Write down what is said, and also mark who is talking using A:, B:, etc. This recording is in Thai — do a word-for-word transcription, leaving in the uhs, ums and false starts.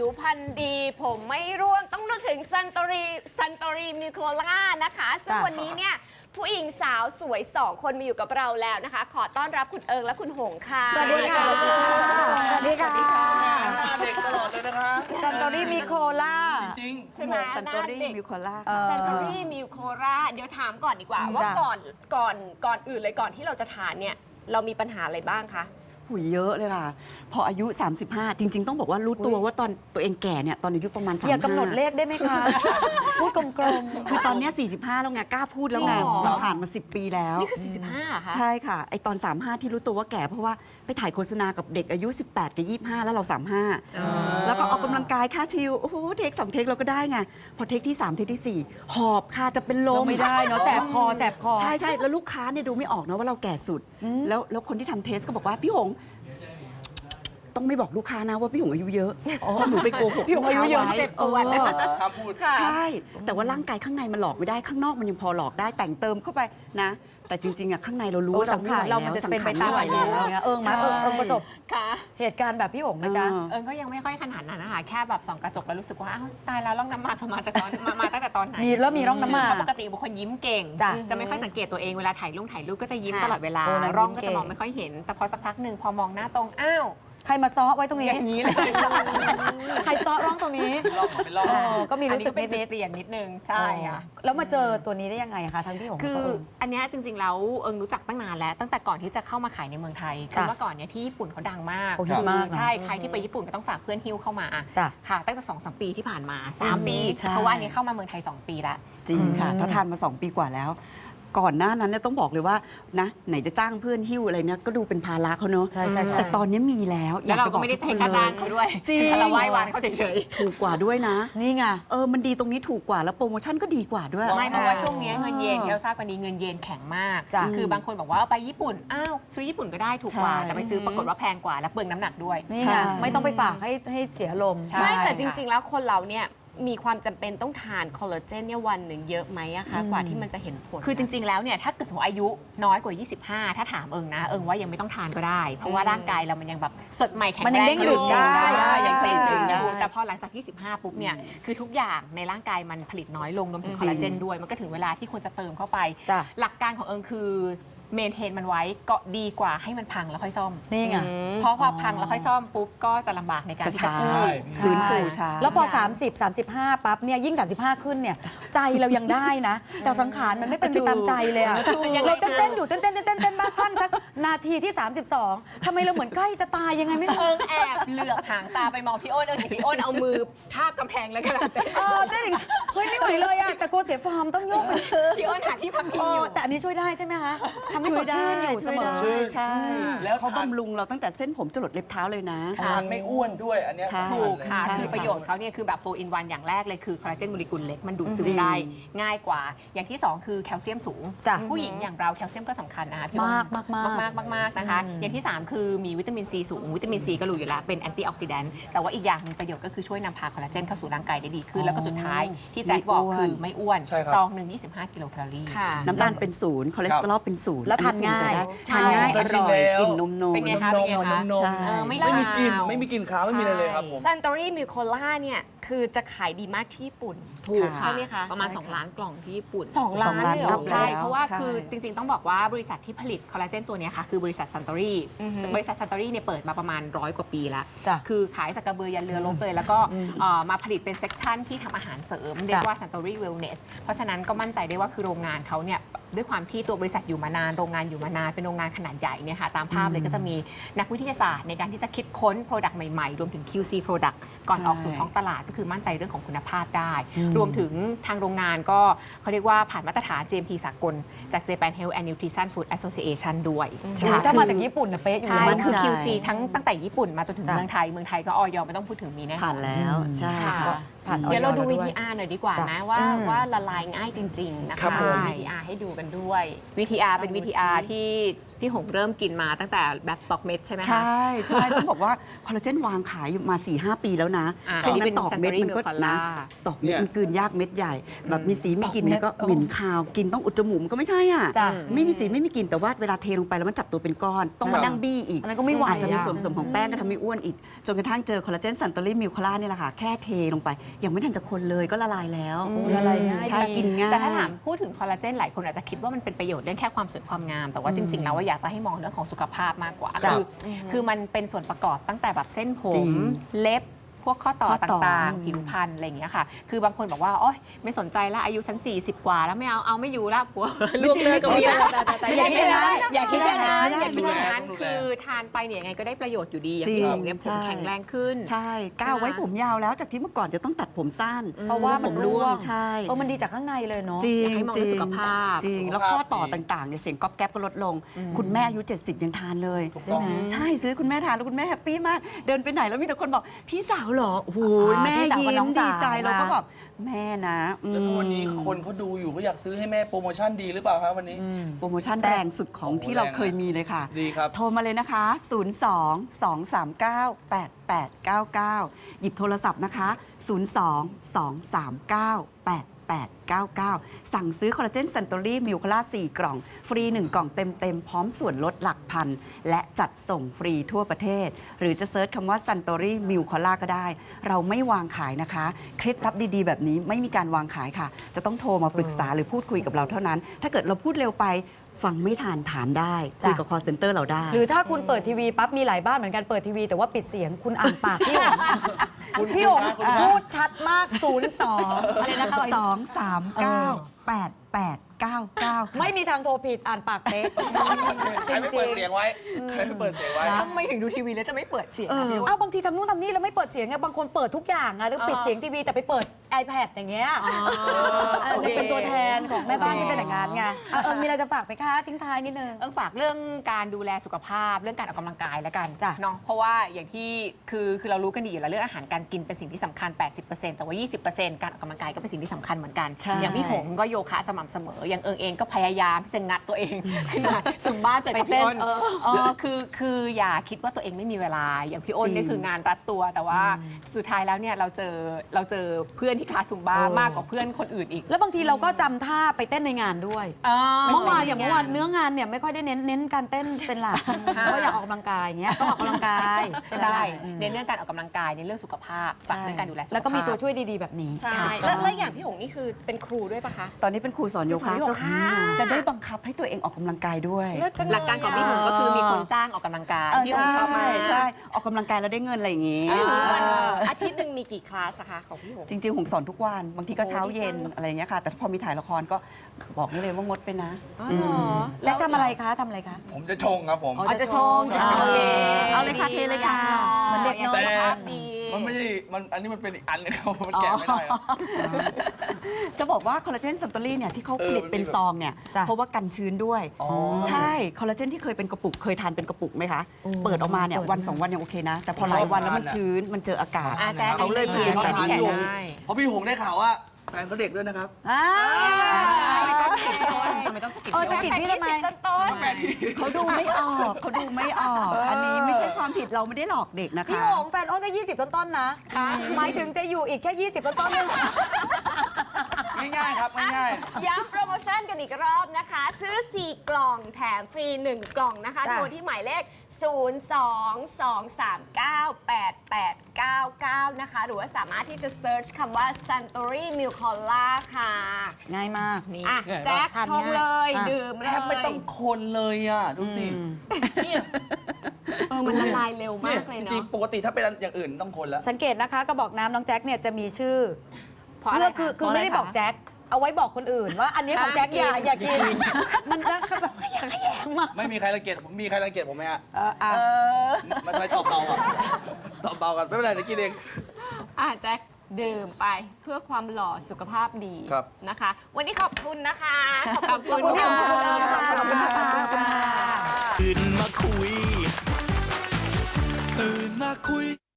A: วพรรณดีผมไม่ร่วงต้องนึกถึงซันโตรีซันโตรีมิโคล่านะคะซึ่งวันนี้เนี่ยผู้หญิงสาวสวยสองคนมาอยู่กับเราแล้วนะคะขอต้อนรับคุณเอิงและคุณหงค่ะ
B: สวัสดีค่ะสวัสดีค่ะ
C: เด็กตลอดเลยนะคะ
B: ซันโตรี่มิโคล่า
C: จริง
A: ใช่ไหม
B: ซันโตรี่มิโคล่า
A: ซันโตรีมิโคล่าเดี๋ยวถามก่อนดีกว่าว่าก่อนก่อนก่อนอื่นเลยก่อนที่เราจะทานเนี่ยเรามีปัญหาอะไรบ้างคะ
D: หุยเยอะเลยค่ะ พออายุ สามสิบห้า จริง ๆ ต้องบอกว่ารู้ตัวว่าตอนตัวเองแก่เนี่ยตอนอายุประมาณสามสิบห้า
B: อย่ากำหนดเลขได้ไหมคะ พูดกลมๆ
D: คือตอนเนี้ยสี่สิบห้าแล้วไงกล้าพูดแล้วไง
A: จริงเหรอ
D: มันผ่านมาสิบปีแล้ว
A: นี่คือสี่สิบห้าค่ะ
D: ใช่ค่ะไอตอน สามสิบห้า ที่รู้ตัวว่าแก่เพราะว่าไปถ่ายโฆษณากับเด็กอายุ สิบแปด กับ ยี่สิบห้า แล้วเรา สามสิบห้า แล้วก็ออกกำลังกายค่าชิวโอ้โหเทคสองเทคเราก็ได้ไงพอเทคที่สามเทคที่สี่หอบค่ะจะเป็นลม
B: ไม่ได้เนาะแสบคอแสบคอ
D: ใช่ใช่แล้วลูกค้าเนี่ยดูไม่ออกนะว่าเราแก่สุดแล้วแล้วคนที่ทำเทสก็บอกว่าพี่หงต้องไม่บอกลูกค้านะว่าพี่หงอายุเยอะเพราะหนูไปโกหก
B: พี่หงอายุเยอะ
D: ลูกค้าไว้
B: เจ็บปวด
D: เออ
C: ห้ามพูด
D: ใช่ แต่ว่าร่างกายข้างในมันหลอกไม่ได้ข้างนอกมันยังพอหลอกได้แต่งเติมเข้าไปนะ แต่จริงๆอ่ะข้างในเรารู้
B: โอ้
D: ว่า
B: สังขารเรามันจะเป็นไปตามอายุเนี่ยเอิงมาเอิงเอิงประสบ
E: ค่ะ
B: เหตุการณ์แบบพี่หงไหมจ๊ะ
E: เอิงก็ยังไม่ค่อยขนาดนั้นนะคะแค่แบบส่องกระจกแล้วรู้สึกว่าอ้าวตายแล้วร่องน้ำมันมาจากตอนมามาตั้งแต่ตอนไหน
B: มีแล้วมีร่องน้ำมัน
E: เพราะปกติบุคคลยิ้มเก่ง
B: จ้ะ
E: จะไม่ค่อยสังเกตตัวเองเวลาถ่ายรูปถ่ายรูปก็จะยิ้ม
A: ค่ะ
E: ตลอดเวลา
B: โอ้นางยิ้ม
E: ร่องก็
B: เก่
E: จะ
B: ง
E: มองไม่ค่อยเห็น แต่พอสักพักหนึ่งพอมองหน้าตรงอ้าว
B: ใครมาซ้อไว้ตรงนี้
E: อย่างนี้เลย
B: ใครซ้อร่องตรงนี้
C: ลองเป็นลอง
B: เออก็มี
E: อัน
B: รู้
E: นี้
B: สึ
E: ก็
B: ก
E: เป็นจุ
B: นิ
E: ด
B: ด
E: เปลี่ยนนิดนึง
B: ๆ
E: ใช่ค่ะ
B: แล้วมาเจอตัวนี้ได้ยังไงคะทั้งพี่หง
E: คือ
B: กับเอิง
E: อันเนี้ยจริงๆแล้วเอิงรู้จักตั้งนานแล้วตั้งแต่ก่อนที่จะเข้ามาขายในเมืองไทยคือ
B: จ้ะ
E: เมื่อก่อนเนี่ยที่ญี่ปุ่นเขาดังมาก
B: เขาฮิตมากนะ
E: ใช่ใครที่ไปญี่ปุ่นก็ต้องฝากเพื่อนฮิ้วเข้ามา
B: จ้ะ
E: ค่ะตั้งแต่สองสามปีที่ผ่านมาสามปี
D: ใช่
E: เพราะว่าอันนี้เข้ามาเมืองไทยสองปีแล้ว
D: จริงค่ะถ้าทานมาสองปีกว่าแล้ว ก่อนหน้านั้นเนี่ยต้องบอกเลยว่านะไหนจะจ้างเพื่อนหิ้วอะไรเนี่ยก็ดูเป็นภาระเขาเนอะ
B: ใช่ใช่ใช่
D: แต่ตอนนี้มีแล้วอ
E: แล้
D: ยาว ก
E: เรา
D: จะบ
E: ก็
D: อก
E: ไม่ได้
D: ทุก
E: ใช้
D: คน
E: ค่า
D: เล
E: จ้าง
D: ย
E: เขาด้วย
D: จริง
E: เราไหว้วานเขาเฉย
D: ถูกกว่าด้วยนะ
B: นี่ไง
D: เออมันดีตรงนี้ถูกกว่าแล้วโปรโมชั่นก็ดีกว่าด้วย
E: ๆไม่เพราะว่าช่วงนี้เงินเยนที่เราทราบกันดีเงินเยนแข็งมาก
B: จ้ะ
E: คือบางคนบอกว่าไปญี่ปุ่นอ้าวซื้อญี่ปุ่นก็ได้ถูกกว่า
D: ใช่
E: แต่ไปซื้อปรากฏว่าแพงกว่าและเปลืองน้ำหนักด้วย
B: นี่
D: ใช่
B: ไงไม่ต้องไปฝากให้ให้เสียลม
E: ใช่
A: ไม่แต่จ
E: ค่ะ
A: ริง ๆ แล้วคนเราเนี่ยมีความจำเป็นต้องทานคอลลาเจนเนี่ยวันหนึ่งเยอะไหมอะคะกว่าที่มันจะเห็นผล
E: คือจริง ๆ แล้วเนี่ยถ้าเกิดสมมติอายุน้อยกว่า ยี่สิบห้า ถ้าถามเอิงนะ เอิงว่ายังไม่ต้องทานก็ได้ เพราะว่าร่างกายเรามันยังแบบสดใหม่แข็ง
B: มัน
E: แร
B: ยัง
E: ง
B: เด้งดึงได้
E: ใช่ยังเด้งดึง
D: ได้
E: อยู่แต่พอหลังจาก ยี่สิบห้า ปุ๊บเนี่ยคือทุกอย่างในร่างกายมันผลิตน้อยลงรวมถึงคอลลาเจนด้วยมันก็ถึงเวลาที่ควรจะเติมเข้าไป
B: จ้ะ
E: หลักการของเอิงคือเมนเทนมันไว้ก็ดีกว่าให้มันพังแล้วค่อยซ่อม
B: นี่ไง
E: เพราะพอพังแล้วค่อยซ่อมปุ๊บก็จะลำบากในการ
D: จะ
E: ที่จะ
D: ช้า
E: คืน
D: ฟื้นฟูช้า
B: แล้วพอ สามสิบ สามสิบห้า ปั๊บเนี่ยยิ่ง สามสิบห้า ขึ้นเนี่ยใจเรายังได้นะ แต่สังขารมันไม่เป็นไปตามใจเลยอะเราเต้นๆอยู่เต้นๆเต้นๆเต้นๆเต้นๆบ้างขั้นสักนาทีที่ สามสิบสองทำไมเราเหมือนใกล้จะตายยังไงไม่รู้
E: เอิงแอบเหลือบหางตาไปมองพี่อ้นเอิงเห็นพี่อ้นเอามือทาบกำแพงแล้วกำลังเต้น
B: เออเต้นอย่างเงี้ยเฮ้ยไม่ไหวเลยอะแต่กลัวเสียฟอร์มต้องโยกไป
E: พี่อ้นหาที่พักพิง
B: เอ
E: อ
B: อยู่ แต่อันนี้ช่วยได้ใช่ไหมคะทำให้สดชื่นอยู่เสมอ
D: ช่วยได้ใช่
C: แล้ว
D: เขา
C: ทาน
D: บำรุงเราตั้งแต่เส้นผมจรดเล็บเท้าเลยนะ
C: ทานไม่อ้วนด้วยอันเนี้ย
D: ใช่
C: สำญ
E: ถูก
C: เลย
E: ค่ะ
D: ใช่
E: คือประโยชน์เขาเนี่ยคือแบบโฟร์ in วัน อย่างแรกเลยคือคอลลาเจนโมเลกุลเล็ก มันดูดซึ
D: จริ
E: ม
D: ง
E: ได้ง่ายกว่า อย่างที่ 2 คือแคลเซียมสูง
B: จ้ะ
E: ผู้หญิงอย่างเราแคลเซียมก็สำคัญนะคะพี่อ้น
B: มากมากมาก
E: มากมากมากนะคะ อย่างที่ 3 คือมีวิตามินซีสูง วิตามินซีก็รู้อยู่แล้วเป็นแอนตี้ออกซิแดนต์แต่ว่าอีกอย่างหนึงประโยชน์ก็คือช่วยนำพาคอลลาเจนเข้าสู่ร่างกายได้ดีขึ้น แล้วก็สุดท้ายที่แจ็คบอกคือไม่อ้วน
C: ใช่ครับ
E: ซองหนึ่งยี่สิบห้ากิโลแคลอรี่
A: ค่ะ
D: น้ำตาลเป็นศูนย์คอเลสเตอรอลเป็นศูนย์
B: แล้วทานง่าย
D: ทานง่าย
C: เค
D: อย
C: ชิม
D: ร่อย
C: แล้ว
D: กลิ่นนมนม
E: เป็นไง
C: น
E: คะ
C: ม
E: เป็นไง
C: นม
E: คะ
C: นม
D: ใช่
E: เออไม่
C: ไม่มีกลิ่น
E: ลาว
C: ไม่มีกลิ่นขาวไม่มีอะไรเลยครับผม
A: ซันโตรี่มิโคล่าเนี่ยคือจะขายดีมากที่ญี่ปุ่น
E: ถูก
A: ใช่ไหมคะ
E: ประมาณ สอง ล้านกล่องที่ญี่ปุ่น
A: สองล้านเลยเหรอ
E: ใช่
D: แล้ว
E: เพราะว่า
D: ใช่
E: คือจริง ๆ ต้องบอกว่าบริษัทที่ผลิตคอลลาเจนตัวเนี้ยค่ะ คือบริษัทซันตอรี่บริษัทซันตอรี่เนี่ยเปิดมาประมาณร้อยกว่าปีแล้ว
B: จ้ะ
E: คือขายสักกระเบือยันเรือรบเลย แล้วก็เอ่อมาผลิตเป็นเซกชันที่ทำอาหารเสริม เรียกว่าซันตอรี่เวลเนสเพราะฉะนั้นก็มั่นใจได้ว่าคือโรงงานเขาเนี่ยด้วยความที่ตัวบริษัทอยู่มานานโรงงานอยู่มานานเป็นโรงงานขนาดใหญ่เนี่ยค่ะตามภาพเลยก็จะมีนักวิทยาศาสตร์ในการที่จะคิดค้น Product ใหม่ๆ รวมถึง คิว ซี Product ก่อน
D: ใช่
E: ออกสู่ท้องตลาดก็คือมั่นใจเรื่องของคุณภาพได้ รวมถึงทางโรงงานก็เขาเรียกว่าผ่านมาตรฐาน จี เอ็ม พี สากลจาก Japan Health and Nutrition Food Association ด้วย
B: โอ้ยถ้ามาจากญี่ปุ่นน่ะเป๊ะอยู่
E: ใช่
B: แล้ว
E: มันคือ
D: มั่นใจ
E: คิว ซี ทั้งตั้งแต่ญี่ปุ่นมาจนถึง
B: จ้ะ
E: เมืองไทย เมืองไทยก็ออยไม่ต้องพูดถึงมีแน่นอน
D: ผ่านแล้วใช่
A: ค่ะ
D: ค่ะ
B: ผ่าน
A: เดี๋ยวเราดู
B: ออย
A: วี
B: แล้
A: ที
B: วย
A: อาร์หน่อยดีกว่า
B: จ้ะ
A: นะว่า
E: อืม
A: ว่าละลายง่ายจริง ๆ นะ
C: ครั
A: คะ
C: บผม
A: วีทีอาร์ให้ดูกันด้วย
E: วี ที อาร์ เป็น
B: เอา
E: วี
B: ดู
E: ที อาร์
B: สิ
E: ที่พี่หงเริ่มกินมาตั้งแต่แบบตอกเม็ดใช่ไหมคะ
D: ใช่ใช่ต้องบอกว่าคอลลาเจนวางขายอยู่มา สี่ห้า ปีแล้วนะ
E: อ่า
D: ช่วงนั้
E: อันนี้เป็น
D: นตอกเม็ดมันก็
E: Suntory Milk
D: นะ
E: Cola
D: ตอกเม็ด
C: เนี่ย
D: มันกลืนยากเม็ดใหญ่ แบบมีสีมีกลิ่น
B: ตอกเม็ด
D: เนี่ยก็เหม็นคาวกินต้องอุดจมูกมันก็ไม่ใช่อ่ะ
B: จ้ะ
D: ไม่มีสีไม่มีกลิ่นแต่ว่าเวลาเทลงไปแล้วมันจับตัวเป็นก้อน ต้องมานั่งบี้อีก
B: อันนั้นก็ไม่ไหว
D: อาจจะมี
B: อะ
D: ส่วนผสมของแป้งก็ทำให้อ้วนอีก จนกระทั่งเจอคอลลาเจนซันโตรี่มิลคอล่านี่แหละค่ะแค่เทลงไปยังไม่ทันจะคนเลยก็ละลายแล้ว
B: โอ้ละลายง่าย
D: ใช่
B: ดี
D: กินง่าย
E: แต่ถ้าถามพูดถึงคอลลาเจนหลายคนอาจจะคิดว่ามันเป็นประโยชน์เรื่องแค่ความสวยความงาม แต่ว่าจริง ๆ แล้วว่าอยากจะให้มองเรื่องของสุขภาพมากกว่า
B: จ้ะ
E: คือคือมันเป็นส่วนประกอบตั้งแต่แบบเส้นผ
D: จริ
E: ม
D: ง
E: เล็บพวกข้อต่อ
D: ข้อต่อ
E: ต่างๆ ผิวพรรณอะไรอย่างเงี้ยค่ะ คือบางคนบอกว่าโอ๊ยไม่สนใจแล้วอายุฉันสี่สิบกว่าแล้วไม่เอาเอาไม่อยู่แล้วผัวลูกเลยก็มีแล้ว
B: แต่แต่แต่อย่าคิดอย่างนั้น
E: อย่าคิดอย่างนั้น
D: ไม่ได้
E: อย่าคิดอย่างนั้น
C: ต้องดูแล
E: คือทานไปเนี่ยยังไงก็ได้ประโยชน์อยู่ดีอย่าง
D: จริ
E: ที่
D: ง
E: ผมเนี่ยผม
D: ใช่
E: แข็งแรงขึ้น
D: ใช่ก้าวไว้ผมยาวแล้วจากที่เมื่อก่อนจะต้องตัดผมสั้น
B: เพราะว่ามันร่วง
D: ใช่
B: เออมันดีจากข้างในเลยเนาะ
D: จริ
E: อง ยากให้มองเรื่องสุขภาพ
D: จริง
C: สุขภาพ
D: แล้วข้อต่อ
C: ดี
D: ต่างๆเนี่ยเสียงก๊อบแก๊บก็ลดลง คุณแม่อายุ เจ็ดสิบ ยังทานเลย
C: ถูกต้อง
D: ใช่ซื้อคุณแม่ทานแล้วคุณแม่แฮปปี้มาก เดินไปไหนแล้วมีแต่คนบอก พี่สาวเหรอโอ้โห
B: อ่า
D: แม่
B: พี่สาวกับ
D: ยิ้
B: น้
D: ม
B: องสาว
D: ดีใจเราก็
B: นะ
D: แบบแม่นะอืม
C: แล้วถ้าวันนี้คนเขาดูอยู่เขาอยากซื้อให้แม่โปรโมชั่นดีหรือเปล่าครับวันนี้
D: โปรโมชั่น
B: แซ่บ
D: แรงสุดของ
C: โอ้โห
D: ที่เรา
C: แรงนะ
D: เคยมีเลยค่ะ
C: ดีครับ
D: โทรมาเลยนะคะ ศูนย์ สอง สอง สาม เก้า แปด แปด เก้า เก้า หยิบโทรศัพท์นะคะ ศูนย์ สอง สอง สาม เก้า แปด แปด เก้า เก้า สั่งซื้อคอลลาเจนซันโตรี่มิลคอล่าสี่กล่อง ฟรี หนึ่ง กล่องเต็ม ๆ พร้อมส่วนลดหลักพัน และจัดส่งฟรีทั่วประเทศ หรือจะเซิร์ชคำว่าซันโตรี่มิลคอล่าก็ได้ เราไม่วางขายนะคะ เคล็ดลับดีๆ แบบนี้ไม่มีการวางขายค่ะ จะต้องโทรมาปรึกษาหรือพูดคุยกับเราเท่านั้น ถ้าเกิดเราพูดเร็วไปฟังไม่ทันถามได้คุยกับ call center เราได้
B: หรือถ้าคุณเปิดทีวีปั๊บมีหลายบ้านเหมือนกันเปิดทีวีแต่ว่าปิดเสียงคุณอ่านปากพี่หงพี่หงพูดชัดมากศูนย์สองอะไรนะคะ
D: สองสามเก้าแปดแปดเก้าเก้า
B: ไม่มีทางโทรผิดอ่านปากเป๊ะ
C: ใครไม่เปิดเสียงไว้ใครไม่เปิดเสียงไว้
E: ทำไมถึงดูทีวีแล้วจะไม่เปิดเสียงอะพี่
B: เอ้าบางทีทำนู่นทำนี่แล้วไม่เปิดเสียงไงบางคนเปิดทุกอย่างอะแล้วปิดเสียงทีวีแต่ไปเปิด iPad อย่างเงี้ยอันนี้เป็นตัวแทนของแม่บ้านที่เป็นอย่างนั้นไงอ่ะเออมีอะไรจะฝากไหมคะทิ้งท้ายนิดนึง
E: เอิงฝากเรื่องการดูแลสุขภาพเรื่องการออกกำลังกายแล้วกัน
B: จ้ะ
E: เนาะเพราะว่าอย่างที่คือคือเรารู้กันดีอยู่แล้วเรื่องอาหารการกินเป็นสิ่งที่สำคัญ แปดสิบเปอร์เซ็นต์ แต่ว่า ยี่สิบเปอร์เซ็นต์ การออกกำลังกายก็เป็นสิ่งที่สำคัญเหมือนกัน
D: ใช่
E: อย่างพี่หงก็โยคะสม่ำเสมออย่างเอิงเองก็พยายามที่จะงัดตัวเองขึ้นมาซุมบ้าเจอกับพี่อ้น
B: ไปเต้นเออ
E: เออคือคืออย่าคิดว่าตัวเองไม่มีเวลาอย่างพี่อ้น
D: จริง
E: นี่คืองานรัดตัว แต่ว่าสุดท้ายแล้วเนี่ยเราเจอเราเจอเพื่อนที่คลาสซุมบ้ามากกว่าเพื่อนคนอื่นอีก
B: แล้วบางทีเราก็จำท่าไปเต้นในงานด้วย เมื่อวานอย่างเมื่อวานเนื้องานเนี่ยไม่ค่อยได้เน้นเน้นการเต้นเป็นหลักเพราะอยากออกกำลังกายอย่างเงี้ยต้องออกกำลังกายใช่ไหม
E: ใช่
B: ล่ะ
E: เน้นเรื่องการออกกำลังกายเน้นเรื่องสุขภาพฝากเรื่องการดูแลสุขภาพ
B: แล้วก็มีตัวช่วยดีๆแบบนี้
A: ใช่แล้วแล้วอย่างพี่หงนี่คือเป็นครูด้วยปะคะ
D: ตอนนี้เป็นครูสอนโย
A: สอ
D: คะ
A: นโย
D: ก็
A: คะ
D: จะได้บังคับให้ตัวเองออกกำลังกายด้วย
E: หลักการของพี่หงก็คือมีคนจ้างออกกำลังกาย
D: เออ
E: พี่หงชอบมาก
D: ใช่ใช่ออกกำลังกายแล้วได้เงินอะไรอย่างงี้
A: อย่างนี้มัน
D: เออ
A: อาทิตย์หนึ่งมีกี่คลาสอะคะของพี่หง
D: จริงๆผมสอนทุกวัน บางทีก็เช้าเย็น
A: โอ้ดีจัง
D: อะไรอย่างเงี้ยค่ะ แต่พอมีถ่ายละครก็บอกได้เลยว่างดไปนะ
B: แจ็คทำอะไรคะทำอะไรคะ
C: ผมจะชงครับผม
B: อ๋อจะชง
C: ใช่
B: โอเค
D: เอาเลยค่ะเทเลยค่ะ
B: เหมือนเด็กน้อย
C: แต่
A: ภาพดี
C: มันไม่ใช่มันอันนี้มันเป็นอีกอันนึงครับมันแกะไม่ได้ครับ
D: จะบอกว่าคอลลาเจนซันโตรี่เนี่ยที่เขา
C: เออ
D: ผลิตเป็นซองเนี่ย
B: จ้ะ
D: เพราะว่ากันชื้นด้วย
C: อ๋อ
D: ใช่คอลลาเจนที่เคยเป็นกระปุกเคยทานเป็นกระปุกไหมคะ เปิดออกมาเนี่ย
B: เปิด
D: วันสองวันยังโอเคนะ แต่พอหลายวันแล้วมันชื้นมันเจออากาศ
E: อ่าแจ๊ค
D: เขาเลยเปลี่ยน
E: แกะ
D: แบบนี้
E: ได้
C: เพราะพี่หงได้ข่าวว่าแฟนเขาเด็กด้วยนะครับ
B: อ่า
E: ทำไมต้องสกิป
B: เออจะกิดพี่ทำไม
A: ต้น
C: แฟนที่
D: เขาดูไม่ออกเขาดูไม่ออก อันนี้ไม่ใช่ความผิดเราไม่ได้หลอกเด็กนะคะ
B: พี่หงแฟนอ้นก็ ยี่สิบ ต้นๆนะ หมายถึงจะอยู่อีกแค่ ยี่สิบ ต้นๆนึง
C: ง่ายๆครับง่าย
A: ย้ำโปรโมชั่นกันอีกรอบนะคะ ซื้อ สี่ กล่องแถมฟรี หนึ่ง กล่องนะคะ
B: จ้ะ
A: โทรที่หมายเลข ศูนย์ สอง สอง สาม เก้า แปด แปด เก้า เก้า นะคะ หรือว่าสามารถที่จะเซิร์ชคำว่า Suntory Milk Cola ค่ะ
B: ง่ายมาก
A: อ่ะ
C: ง่ายปะ
A: แจ็ค
B: ทาน
A: ชง
B: ง่าย
A: เลย
B: อ่ะ
A: ดื่ม
C: ๆ
A: เล
C: แทบไม่
A: ย
C: ต้องคนเลยอ่ะ ดูสิเนี่ย
A: เออมันละลายเร็วมากเลย
C: จริ
A: เนาะ
C: งๆปกติถ้าเป็นอย่างอื่นต้องคนแล้ว
B: สังเกตนะคะกระบอกน้ำน้องแจ็คเนี่ยจะมีชื่อ
E: เพราะอะไร
B: คือ
E: คะ
B: คือไม่ได้บอกแจ็คเอาไว้บอกคนอื่นว่าอันนี้ของแจ็คอย่าอย่ากิน มันจะแบบอย่าขยงมาก
C: ไม่มีใครรังเกียจผมมีใครรังเกียจผมไหมฮะ
B: เอออ่ะ
C: มันทำไมตอบเบาอ่ะตอบเบากันไม่เป็นไรเดี๋ยวกินเอง
A: อ่ะแจ็คดื่มไปเพื่อความหล่อสุขภาพดี
C: ครับ
A: นะคะ วันนี้ขอบคุณนะคะ
E: ขอบคุณ
B: ขอบคุณ
E: ค่ะ
B: ขอบคุณนะคะขอบคุณค่ะ
F: ตื่นมาคุย ตื่นมาคุย